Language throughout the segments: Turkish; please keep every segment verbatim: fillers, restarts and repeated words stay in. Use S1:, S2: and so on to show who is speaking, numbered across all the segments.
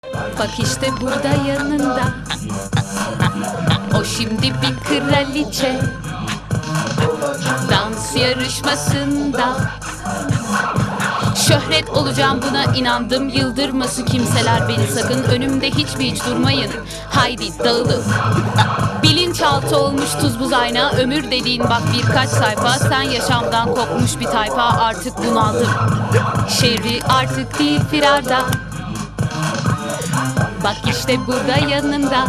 S1: Bak işte burada yanında. O şimdi bir kraliçe. Dans yarışmasında. Şöhret olacağım, buna inandım. Yıldırması kimseler beni sakın. Önümde hiç mi hiç durmayın. Haydi dağılın. Bilinçaltı olmuş tuz buz ayna. Ömür dediğin bak birkaç sayfa. Sen yaşamdan kopmuş bir tayfa. Artık bunaldım. Şerri artık değil firarda. Bak işte burada yanında.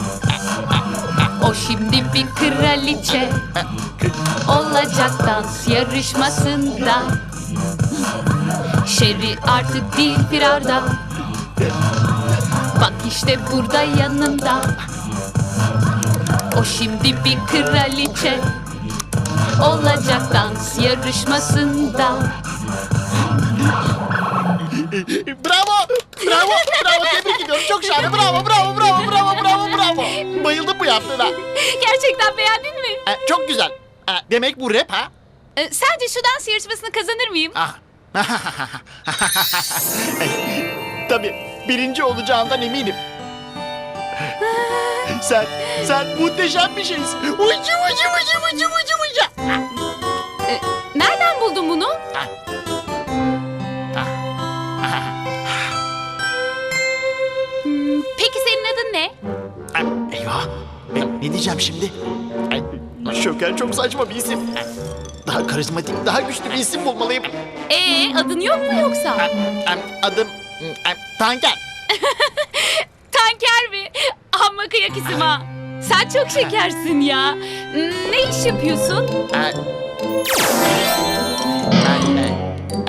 S1: O şimdi bir kraliçe. Olacak dans yarışmasında. Şerri artık değil firarda. Bak işte burada yanında. O şimdi bir kraliçe. Olacak dans yarışmasında.
S2: Bravo! Bravo! Bravo! Tebrik ediyorum. Çok şahane. Bravo! Bravo! Bravo! Bravo! Bravo! Bravo! Bayıldım bu yaptığına.
S1: Gerçekten beğendin mi?
S2: Ee, çok güzel. Ee, demek bu rap ha?
S1: Ee, sence şu dans yarışmasını kazanır mıyım?
S2: Ah. Tabii. Birinci olacağından eminim. sen, sen muhteşem bir şeysin. Ucu ucu ucu ucu ucu ucu.
S1: Ee, nereden buldun bunu? Hmm, peki senin adın ne?
S2: Ay, eyvah. Ay, ne diyeceğim şimdi? Ay, Şoker çok saçma bir isim. Daha karizmatik, daha güçlü bir isim bulmalıyım.
S1: Ee, adın yok mu yoksa?
S2: Ay, ay, Adım ay, Tanker.
S1: Tanker mi? Amma kıyak isim ha. Sen çok şekersin ya. Hmm, ne iş yapıyorsun?
S2: Ay, ay, ay.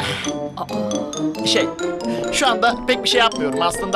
S2: Şey, şu anda pek bir şey yapmıyorum aslında.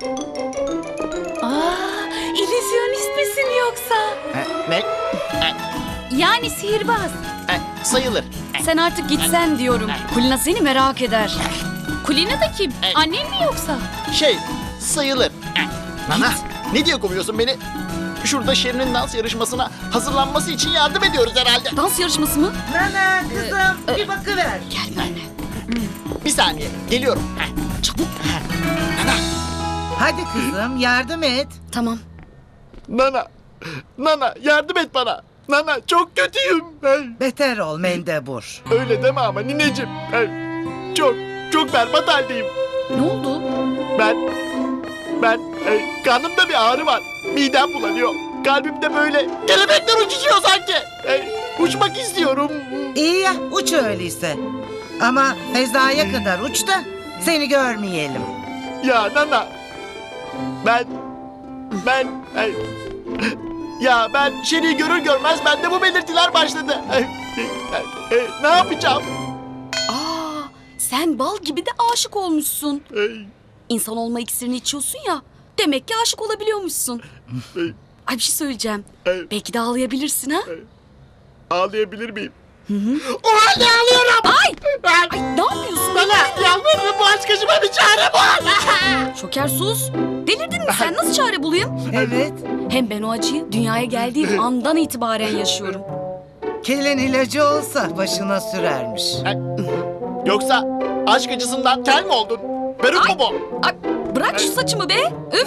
S1: Aa, illüzyonist misin yoksa?
S2: Ha, Ne? Ay,
S1: Yani sihirbaz.
S2: ay, Sayılır.
S3: Sen artık gitsen diyorum. Kulina seni merak eder.
S1: Kulina da kim?
S2: Evet.
S1: Annen mi yoksa?
S2: Şey, sayılır. Ay, Nana, ne diye kovuyorsun beni? Şurada Şirin'in dans yarışmasına hazırlanması için yardım ediyoruz herhalde.
S3: Dans yarışması mı?
S4: Nana kızım bir bakıver.
S3: Gel benimle.
S2: Bir saniye, geliyorum. Heh.
S3: Çabuk.
S2: Nana,
S4: Hadi kızım yardım et.
S3: Tamam.
S2: Nana, Nana yardım et bana. Nana çok kötüyüm. Ay,
S4: Beter ol mendebur.
S2: öyle deme ama nineciğim. Ay, çok, çok berbat haldeyim.
S3: Ne oldu?
S2: Ben, ben, ay, karnımda bir ağrı var. Midem bulanıyor. Kalbimde böyle kelebekler uçuşuyor sanki. Ay, uçmak istiyorum.
S4: İyi ya uç öyleyse. Ama Feza'ya kadar uç da seni görmeyelim.
S2: Ya Nana, ben, ben, ay, ya ben Şeri'yi görür görmez bende bu belirtiler başladı. Ay, ay, ay, ne yapacağım?
S3: Aa, sen bal gibi de aşık olmuşsun.
S2: Ay,
S3: İnsan olma iksirini içiyorsun ya. Demek ki aşık olabiliyormuşsun.
S2: ay,
S3: Ay bir şey söyleyeceğim.
S2: ay,
S3: Belki de ağlayabilirsin ha?
S2: ağlayabilir miyim? O halde ağlıyorum.
S3: Ay!
S2: Ay,
S3: Ay ne yapıyorsun?
S2: Nana, yalvarırım bu aşk acıma bir çare bul.
S3: Şoker sus. Delirdin mi sen? Nasıl çare bulayım?
S4: Evet.
S3: Hem ben o acıyı dünyaya geldiğim andan itibaren yaşıyorum.
S4: Kelin ilacı olsa başına sürermiş.
S2: Yoksa aşk acısından kel mi oldun? Peruk mu bu?
S3: Ay, bırak şu saçımı be. Üf.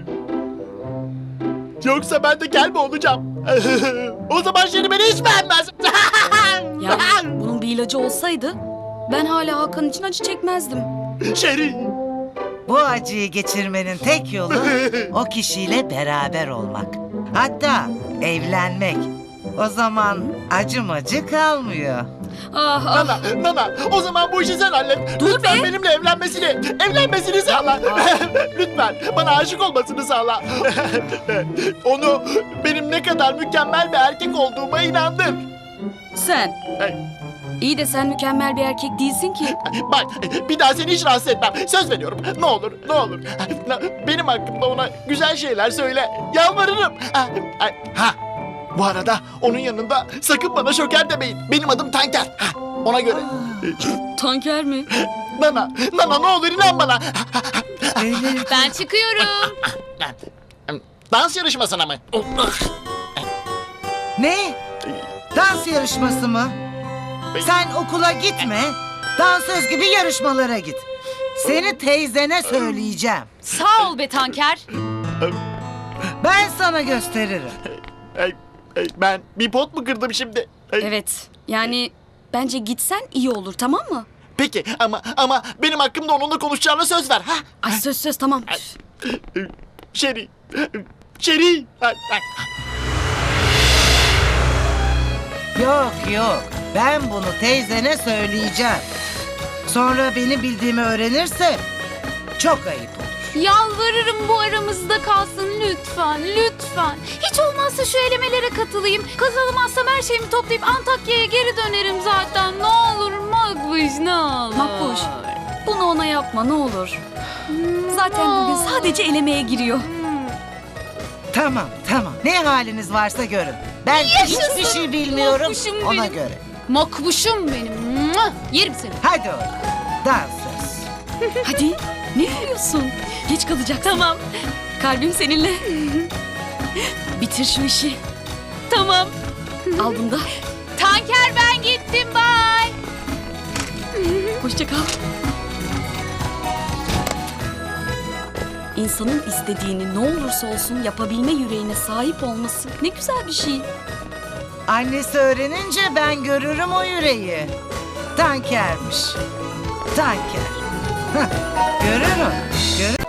S2: Yoksa ben de kel mi olacağım? O zaman Şeri beni hiç beğenmez.
S3: Ya bunun bir ilacı olsaydı ben hala Hakan için acı çekmezdim.
S2: Şeri.
S4: Bu acıyı geçirmenin tek yolu o kişiyle beraber olmak. Hatta evlenmek. O zaman acımacı kalmıyor.
S3: Ah ah.
S2: Nana, Nana, o zaman bu işi sen hallet.
S3: Dur
S2: Lütfen
S3: be.
S2: benimle evlenmesini, evlenmesini sağla. Lütfen bana aşık olmasını sağla. Onu benim ne kadar mükemmel bir erkek olduğuma inandır.
S3: Sen.
S2: Ay,
S3: İyi de sen mükemmel bir erkek değilsin ki.
S2: Bak, bir daha seni hiç rahatsız etmem. Söz veriyorum. Ne olur, ne olur. Benim hakkımda ona güzel şeyler söyle. Yalvarırım. Ha, ha. Bu arada onun yanında sakın bana Şoker demeyin. Benim adım Tanker. Ha, ona göre.
S3: Tanker mi?
S2: Nana, Nana ne olur inan bana.
S4: Öyle.
S1: Ben çıkıyorum.
S2: Dans yarışmasına mı?
S4: Ne? Dans yarışması mı? Sen okula gitme. Dansöz gibi yarışmalara git. Seni teyzene söyleyeceğim.
S1: Sağ ol be Tanker.
S4: Ben sana gösteririm.
S2: Ay, ay, ben bir pot mu kırdım şimdi? Ay,
S3: Evet. Yani bence gitsen iyi olur, tamam mı?
S2: Peki ama ama benim hakkımda onunla konuşacağına söz ver. Ha?
S3: Ay söz söz tamam.
S2: Şeri. Şeri. Ay, ay.
S4: Yok yok. Ben bunu teyzene söyleyeceğim. Sonra benim bildiğimi öğrenirse çok ayıp olur.
S1: Yalvarırım bu aramızda kalsın lütfen, lütfen. Hiç olmazsa şu elemelere katılayım. Kazanamazsam her şeyimi toplayıp Antakya'ya geri dönerim zaten. Ne olur Makbuş, ne olur.
S3: Makbuş, bunu ona yapma ne olur. Zaten bugün sadece elemeye giriyor.
S4: Tamam tamam. Ne haliniz varsa görün. Ben hiçbir şey bilmiyorum
S1: Makbuşum
S4: ona
S1: benim.
S4: göre.
S1: Makbuşum benim. Mua! Yerim seni.
S4: Hadi oğlum. Dans söz.
S3: Hadi, ne yürüyorsun? Geç kalacaksın. Tamam. Kalbim seninle. Bitir şu işi. Tamam. Al bunu da.
S1: Tanker ben gittim, bye.
S3: Hoşça kal. İnsanın istediğini ne olursa olsun yapabilme yüreğine sahip olması ne güzel bir şey.
S4: Annesi öğrenince ben görürüm o yüreği. Tankermiş. Tanker. Hah, görürüm. Görürüm.